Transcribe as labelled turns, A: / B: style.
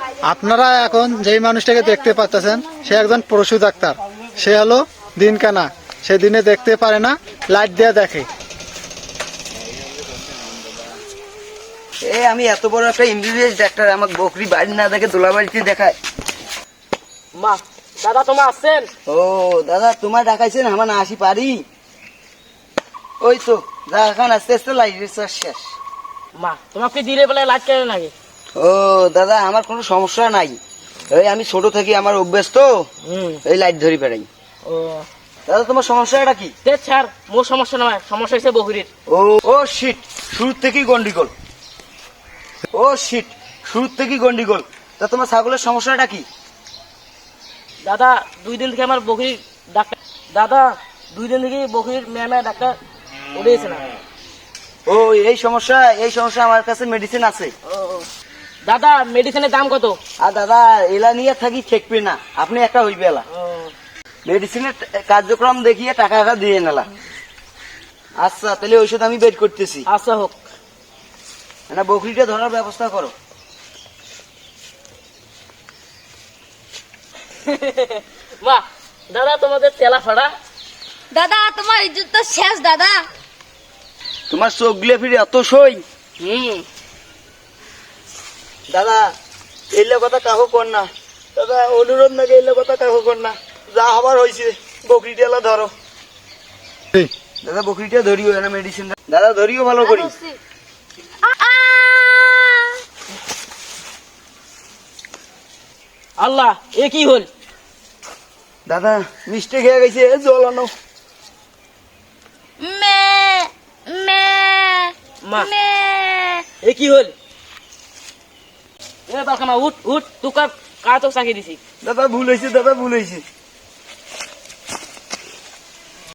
A: আপনারা এখন যেই মানুষটাকে দেখতে পাচ্ছেন সে একজন পশু ডাক্তার। সে হলো দিনকানা। সে দিনে দেখতে পারে না, লাইট দিয়ে দেখে।
B: আমি এত বড় একটা এমবিবিএস ডাক্তার, আমাকে বকরি বাড়ি না দেখে দোলা বাড়িতে দেখায়।
C: মা দাদা তোমার আসছেন?
B: ও দাদা, তোমার ডাকাইছেন, আমার না আসি পারি। ওই তো যা, এখন আস্তে আস্তে লাইটের চার্জ শেষ।
C: মা তোমাকে দিলে বলে লাইট কেন নাকি?
B: ও দাদা, আমার কোনো সমস্যা নাই। এই আমি ছোট থেকে আমার অভ্যাস তো এই লাইট ধরি বেড়াই।
C: ও
B: দাদা, তোমার সমস্যাটা কি?
C: তে স্যার, মোর সমস্যা নয়, সমস্যা হচ্ছে বকরির।
B: ও ও শিট, শুরু থেকেই গন্ডিগোল। ও শিট, শুরু থেকেই গন্ডিগোল। তা তোমার ছাগলের সমস্যাটা কি?
C: দাদা 2 দিন থেকে আমার বকরির ডাক্তার, দাদা 2 দিন থেকে বকরির ম্যামে ডাক্তার উঠেছে না।
B: ও এই সমস্যা, এই সমস্যা আমার কাছে মেডিসিন আছে।
C: ও দাদা, মেডিসিনের দাম কত?
B: আর দাদা, এলা নিয়ে থাকি ঠেকবে না, আপনি একটা হইবে এলা। মেডিসিনের কার্যক্রম দেখিয়ে টাকা দিয়ে নেলা। আচ্ছা, তাহলে ঔষধ আমি বের করতেছি।
C: আচ্ছা হোক।
B: না, বকরিটা ধরার ব্যবস্থা করো।
C: মা দাদা, তোমাদের তেলা ফাড়া।
D: দাদা তোমার ইজ্জত তো শেষ দাদা।
B: তোমার চোখ গুলো ফিরে এত সই। দাদা, এলে কথা কাহো কর না। দাদা অনুরোধ নাকি, এলে কথা কাহো কর না। যা হবার হয়েছে, বকরিটা এলা ধরো। দাদা বকরিটা ধরিও, না মেডিসিন দাদা ধরিও ভালো করি।
C: আল্লাহ, এ কি হল?
B: দাদা মিস্টেক হয়ে গেছে, জল আনো।
D: মে মে
C: মা
D: মে
C: এ কি হল? এ বালকামা উঠ উঠ, তুই কার তো চাকি দিছি।
B: দাদা ভুল হয়েছে, দাদা ভুল হয়েছে।